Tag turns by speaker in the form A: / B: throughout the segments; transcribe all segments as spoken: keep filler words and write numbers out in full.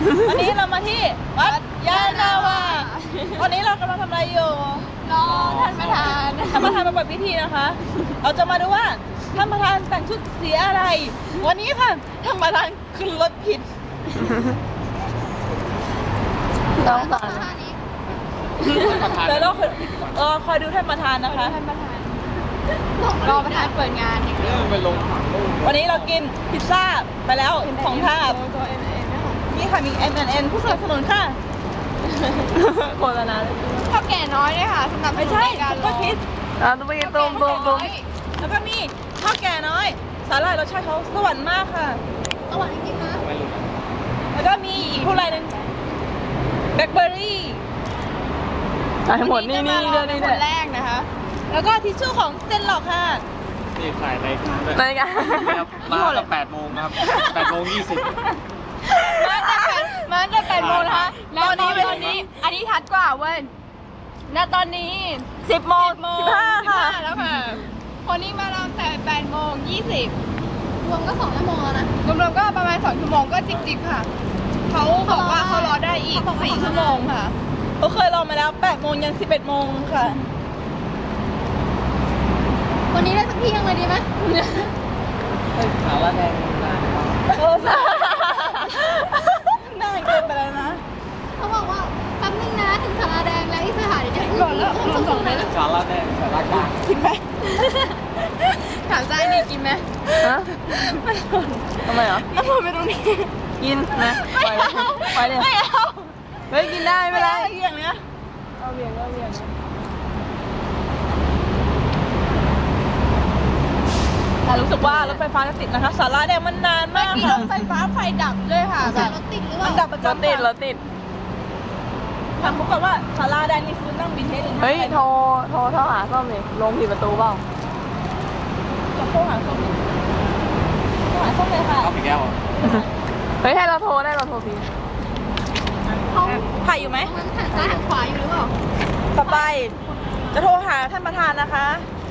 A: วันนี้เรามาที่วัดยานาวาวันนี้เรากำลังทำอะไรอยู่
B: รอท่านประธาน
A: ท่านประธานมาเปิดพิธีนะคะเราจะมาดูว่าท่านประธานแต่งชุดสีอะไรวันนี้ค่ะท่านประธานขึ้นรถผิด
B: น้องต่อ
A: เดี๋ยวเราเออคอยดูท่านประธานนะคะ
B: ท่านประธานรอประธานเปิดงานอย่างเดียว
A: วันนี้เรากินพิซซ่าไปแล้วสองถาดนี่ค่ะมี เอ็ม แอนด์ เอ็น ผู้สนับสนุนค่ะโฆษณาเลย
B: ข้าวแก่น้อยด้วยค่ะสำหรับ
A: ไม่ใช่ก็คิด
C: อ่าตุ้มตุ้มตุ้มตุ้ม
A: แล้วก็มีข้าวแก่น้อยสาหร่ายรสชาติเขาสวรรค์มากค่ะ
B: สวรรค์จริงๆนะ
A: แล้วก็มีอีกผู้ไรนึงแบล็คเบอร์รี่
C: ทั้งหมดนี่นี่เดือนนี้
B: คนแรกนะคะ
A: แล้วก็ทิชชู่ของเซนหลอกค่ะ
D: นี่ถ่ายใน
C: ในกัน
D: มาตั้งแปดโมงนะครับแปดโมงยี่สิบ
B: มาตั้งแต่มาตั้งแต่แปดโมงนะคะแล้วตอนนี้ตอนนี้อันนี้ทัดกว่าเว้ยณตอนนี้
A: สิบโมงสิบห้าค่ะ
B: แล้วค่ะคนนี้มาตั้งแต่แปดโมงยี่สิบรวมก็สองชั่วโมงแล้วนะรวมๆก็ประมาณสองชั่วโมงก็จิบๆค่ะเขาบอกว่าเขารอได้อีกสี่ชั่วโมงค่ะ
A: เขาเคยรอมาแล้วแปดโมงยันสิบเอ็ดโมงค่ะ
B: วันนี้ได้สักที่ยังเลยดีไหม
D: สาวละแดงนาน
A: โอ้สาน่าเกินไปแล้วนะ
B: เขาบอกว่าแป๊บนึงนะถึงสาราแดงแล้วอีกสถานเดี๋ยวจะก่อนแล้ว
D: คุณสองเลยสาวละแดงสาวละกลาง
A: กินไหม
B: ถามใจนี่กินไหม
C: ฮะทำไมเหรอ
A: เอาไปตรงนี้
C: กินนะไปเลยไปเลย
A: ไม่เอา
C: เฮ้ยกินได้ไม่ได้
A: อย่างเนี้ย
C: เอาเบี่ยงเอาเบี่ยง
A: แต่รู้สึกว่ารถไฟฟ้าจะติดนะคะสาราแดงมันนานมาก
B: เมื่อกี้รถไฟฟ้าไฟดับเลยค่ะแบบรถติดหรือเปล่า
A: มันดับประจำ
C: รถติดรถติด
A: ถามพวกกันว่าสาราแดงนี่คือนั่งบินเทส
C: เฮ้ยโทรโทรโทรหาส้มเลยลงผิดประตูเปล่า
A: จะโทรหาส้มโทรหาส้มเลยค่ะ
D: เอาไปแก้ว
C: เฮ้ยให้เราโทรได้เราโทรพี
B: เขา
A: ถ่ายอยู่ไหม
B: หันซ้ายหันขวาอยู่หรือเปล่า
A: ต่อไปจะโทรหาท่านประธานนะคะ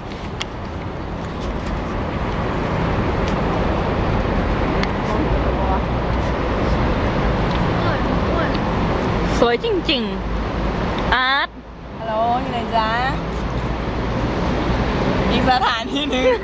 A: สวยจริงๆอาร์ตฮัลโหลอยู่ไหนจ๊ะอีกสถานที่หนึ่ง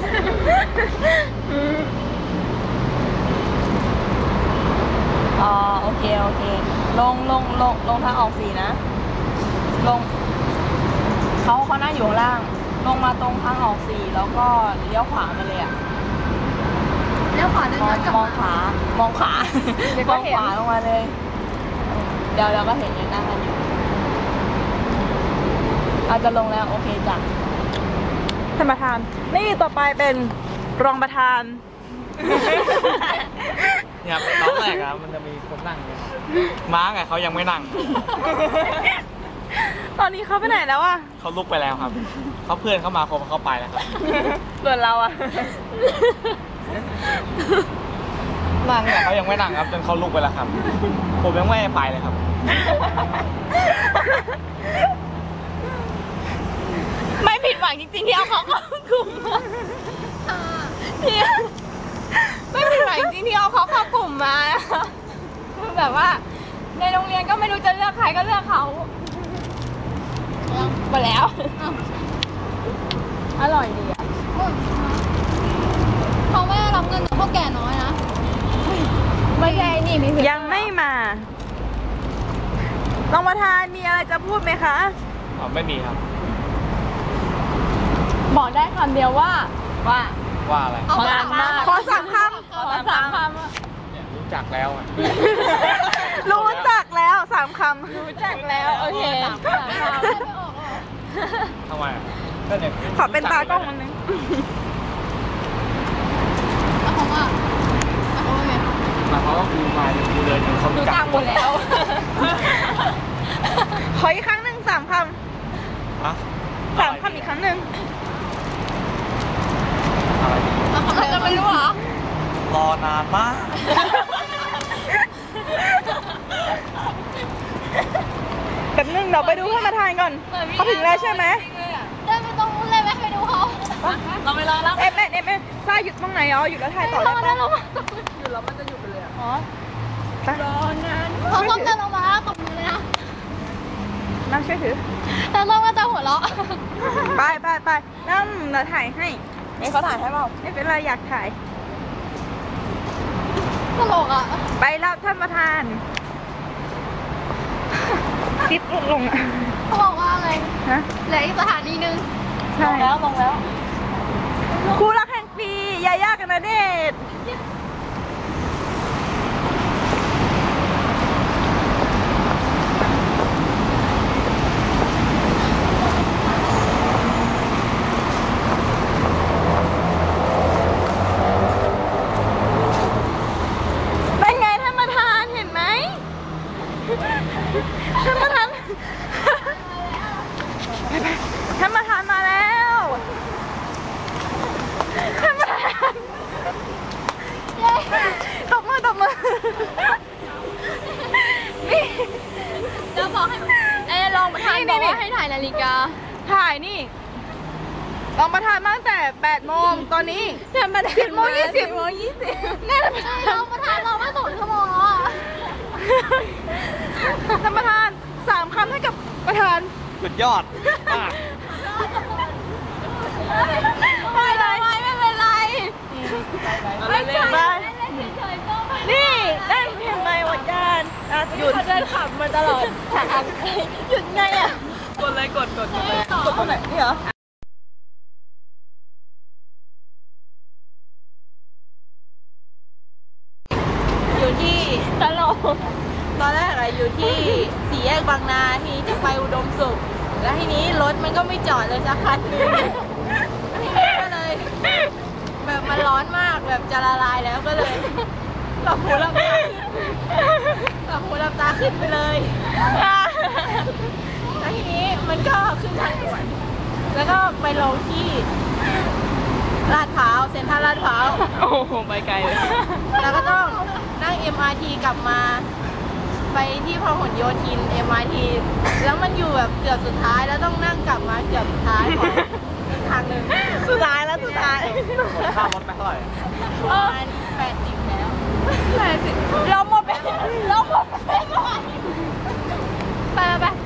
A: อ๋อโอเคโอเคลงลงลงลงทางออกสี่นะลงเขาเขานั่งอยู่ข้างล่างลงมาตรงทางออกสี่แล้วก็เลี้ยวขวามาเลยอ่ะ
B: เลี้ยวขวาเดินย้อนกลับ
A: มองขามองขวามองขวาลงมาเลยเดี๋ยวเราก็เห็นอยู่นั่งกันอยู่อาจจะลงแล้วโอเคจ้ะท่านประธานนี่ต่อไปเป็นรองประธาน
D: เนี่ยตอนแรกอะมันจะมีคนนั่งเนี่ยม้าไงเขายังไม่นั่ง
A: ตอนนี้เขาไปไหนแล้วอะ
D: เขาลุกไปแล้วครับเขาเพื่อนเขามาครบเขาไปแล้วครับ
A: ส่วนเราอะ
D: นั่งเนี่ยเขายังไม่นั่งครับจนเขาลุกไปแล้วครับผมยังไม่ไปเลยครับ
A: ไม่ผิดหวังจริงๆที่เอาเขาเข้ากลุ่มที่ไม่ผิดหวังจริงๆที่เอาเขาเข้ากลุ่มมาคือแบบว่าในโรงเรียนก็ไม่รู้จะเลือกใครก็เลือกเขาไปแล้วอร่อยดีอ่ะ
B: เขาไม่รับเงินจากพวกแก่น้อยนะ
A: ไม่ใช่นี่มียังไม่มารองประธานมีอะไรจะพูดไหมคะ
D: อ๋อไม่มีครับ
A: บอกได้คำเดียวว่าว่า
D: ว่าอะไร
A: ขอสามคำขอสามคำขอสามคำ
D: เนี่ยรู้จักแล้วอ่ะ
A: รู้จักแล้วสามคำรู้จักแล้วโอเค
D: ทำไมอ่ะก็เนี่ย
A: ขอเป็นตากล้องมันนึง
B: แล้วเขาว่าเขาว่าไง
D: แต่เขาก็คือมาอยู่เลยจนเขา
A: รู้จักหมดแล้วขออีกครั้งหนึ่งสามคำสามคำอีกครั้งหนึ่ง
B: เราทำอะไรกันไม่รู้เหรอ
D: รอนานมาก
A: แบบนึงเราไปดูท่านประธานก่อนเขาถึงแล้วใช่ไหม
B: เดินไปตรงนู้นเลยไหมไปดูเขา
A: เราไปรอแล้วเอ็มเอ็มเอ็มซ่าหยุดตรงไหนอ๋อหยุดแล้วถ่ายต่อเลยป่ะหยุดแล้วมันจะหยุดไปเลยอ๋อ
B: รอนานพอส้มเดินลงมาตบมือเลยนะ
C: น้ำช่วยถือ
B: แต่ส้มก็จะหัวเราะ
C: ไปไปไปน้ำเราถ่ายให้
A: นี่เขาถ่ายให้เปล่า
C: ไม่เป็นไรอยากถ่าย
B: ตลกอ่ะ
C: ไปแล้วท่านประธานซิปลดลงอ่ะ
B: เขาบอกว่าอะไร
C: ฮะ
B: เหลืออีกสถานีหนึง
C: ใช่
A: ลงแล้วลงแล้ว
C: คู่รักแห่งปียาย่ากับณเดชน์เป็นไงท่านประธานเห็นไหมท่านประธานท่านประธานมาแล้วท่านประธานตบมือตบมือนี่
B: จะบอกให้เอ้ลองประธานบอกว่าให้ถ่ายนาฬิกา
C: ถ่ายนี่รองประธานมาตั้งแต่แปดโมงตอนนี้ท่านประธานสิบโมงยี่สิบโมงยี่สิบนี่ท่านประธาน
B: เราประธานเรามาสองชั่วโมงแล้วอ่ะ
C: ท่านประธานสามคำให้กับประธาน
D: สุดยอดมาก
C: ได้เลย
B: ไม่เป็นไร
C: ไม่ใช่
B: เล่นเฉยๆก็ไม่
C: นี่ได้เพียงไรวัดยานอ่ะหยุดเดินขับมาตลอดหยุดไงอ่ะ
A: กดเลยกดกดกดเลย
C: กดตรงไหนนี่เหรอ
A: อยู่ที่ตลกตอนแรกอะอยู่ที่สี่แยกบางนาทีนี้จะไปอุดมสุข แล้วทีนี้รถมันก็ไม่จอดเลยสักคันหนึงทีนี้ก็เลย แบบมันร้อนมากแบบจะละลายแล้วก็เลยหลับหูหลับตาขึ้นหลับหูหลับตาขึ้นไปเลยแล้วทีนี้มันก็ขึ้นทางด่วนแล้วก็ไปลงที่ลาดพร้าวเซ็นทรัลลาดพร้าว
C: โอ้โหไปไกลเลย
A: แล้วก็ต้องนั่ง เอ็ม อาร์ ที กลับมาไปที่พหลโยธิน เอ็ม อาร์ ที แล้วมันอยู่แบบเกือบสุดท้ายแล้วต้องนั่งกลับมาเกือบสุดท้ายของอีกทางหนึ่ง
C: สุดท้ายแล้วสุดท้าย
D: ค่ารถไปเท่าไหร่
A: ประมาณแปดสิบแล้ว
C: แปดสิบเราหมดไปเราหมดไป
B: ไปไป